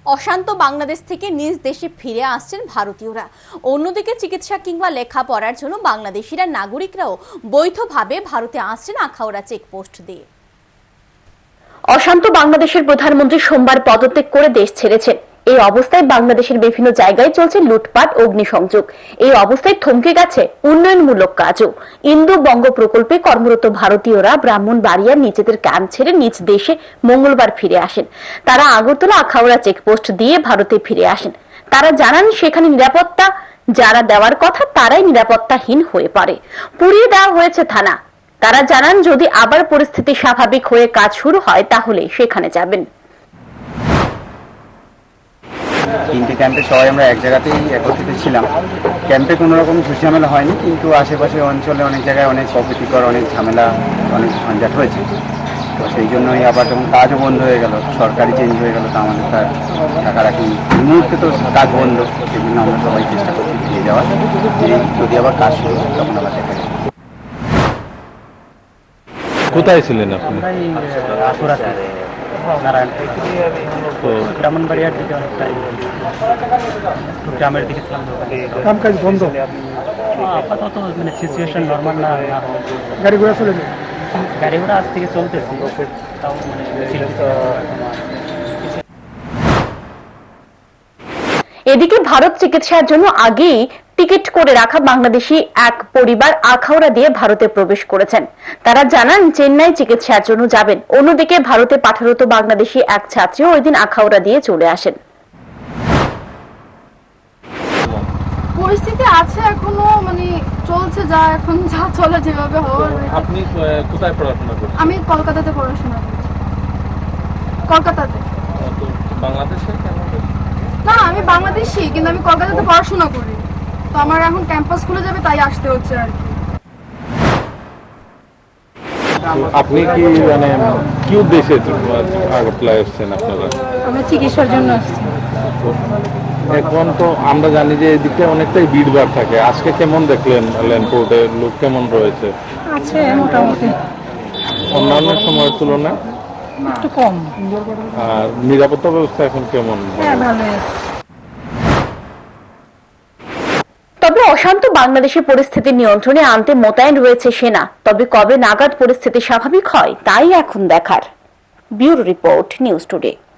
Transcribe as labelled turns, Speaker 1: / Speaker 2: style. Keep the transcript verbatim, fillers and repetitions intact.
Speaker 1: অশান্ত বাংলাদেশ থেকে নিজ দেশে ফিরে আসছেন ভারতীয়রা। অন্যদিকে চিকিৎসা কিংবা লেখাপড়ার জন্য বাংলাদেশিরা নাগরিকরাও বৈধভাবে ভারতে আসছেন আখাউড়া চেকপোস্ট দিয়ে।
Speaker 2: অশান্ত বাংলাদেশের প্রধানমন্ত্রী সোমবার পদত্যাগ করে দেশ ছেড়েছেন। এই অবস্থায় বাংলাদেশের বিভিন্ন জায়গায় চলছে লুটপাট, অগ্নিসংযোগ। এই অবস্থায় থমকে গেছে উন্নয়নমূলক কাজও। ইন্দু বঙ্গ প্রকল্পে কর্মরত ভারতীয়রা ব্রাহ্মণবাড়িয়ার নিজেদের ক্যাম্প ছেড়ে নিজ দেশে মঙ্গলবার ফিরে আসেন। তারা আগরতলা আখাউড়া চেকপোস্ট দিয়ে ভারতে ফিরে আসেন। তারা জানান সেখানে নিরাপত্তা যারা দেওয়ার কথা তারাই নিরাপত্তাহীন হয়ে পড়ে। পুড়িয়ে দেওয়া হয়েছে থানা। তারা জানান যদি আবার পরিস্থিতি স্বাভাবিক হয়ে কাজ শুরু হয় তাহলে সেখানে যাবেন।
Speaker 3: তিনটে ক্যাম্পে সবাই আমরা এক জায়গাতেই একত্রিত ছিলাম। ক্যাম্পে কোনো রকম ঝামেলা হয়নি, কিন্তু আশেপাশে অঞ্চলে অনেক জায়গায় অনেক অপ্রীতিকর অনেক ঝামেলা অনেক ঝঞ্ঝাট হয়েছে। তো সেই জন্যই আবার যখন কাজও বন্ধ হয়ে গেল, সরকারি চেঞ্জ হয়ে গেল, তো আমাদের তার টাকা রাখি এই মুহূর্তে তো কাজ বন্ধ। সেই জন্য আমরা সবাই চেষ্টা করছি ফিরে যাওয়ার, যদি আবার কাজ শুরু হয় তখন আবার দেখা যাবে।
Speaker 4: কোথায় ছিলেন আপনি?
Speaker 3: তো ব্রাহ্মণবাড়িয়ার দিকে অনেকটাই গ্রামের দিকে ছিলাম।
Speaker 5: কাম কাজ বন্ধ,
Speaker 3: আপাতত মানে সিচুয়েশন নর্মাল না,
Speaker 5: গাড়ি ঘোড়া চলে যায়।
Speaker 3: গাড়ি ঘোড়া আজ থেকে চলতেছে, তাও মানে
Speaker 2: এদিকে ভারত চিকিৎসার জন্য আগেই টিকিট করে রাখা বাংলাদেশি এক পরিবার আখাউড়া দিয়ে ভারতে প্রবেশ করেছেন। তারা জানান চেন্নাই চিকিৎসার জন্য যাবেন। অন্যদিকে ভারতে পাঠারত বাংলাদেশি এক ছাত্রীও ওই দিন আখাউড়া দিয়ে চলে আসেন।
Speaker 6: পরিস্থিতি আছে এখনো, মানে চলছে যা এখন যা চলে যেভাবে হওয়ার।
Speaker 4: আপনি কোথায় পড়াশোনা করছেন?
Speaker 6: আমি কলকাতাতে পড়াশোনা করছি। কলকাতাতে?
Speaker 4: বাংলাদেশে কেন?
Speaker 6: না, আমি বাংলাদেশি, কিন্তু আমি কলকাতাতে পড়াশোনা করি। তো আমার এখন ক্যাম্পাস খুলে যাবে, তাই আসতে হচ্ছে আর কি।
Speaker 4: আপনি কি মানে কি উদ্দেশ্যে আগরতলায় এসেছেন আপনারা?
Speaker 6: আমরা চিকিৎসার জন্য আসছি।
Speaker 4: এখন তো আমরা জানি যে এদিকে অনেকটাই ভিড়ভাড় থাকে। আজকে কেমন দেখলেন ল্যান্ডপোর্টে লোক কেমন রয়েছে?
Speaker 6: আছে মোটামুটি,
Speaker 4: অন্যান্য সময়ের তুলনায়
Speaker 6: একটু কম।
Speaker 4: আর নিরাপত্তা ব্যবস্থা এখন কেমন?
Speaker 6: হ্যাঁ, ভালো আছে।
Speaker 2: তবে অশান্ত বাংলাদেশের পরিস্থিতি নিয়ন্ত্রণে আনতে মোতায়েন রয়েছে সেনা। তবে কবে নাগাদ পরিস্থিতি স্বাভাবিক হয় তাই এখন দেখার। Bureau report, news today.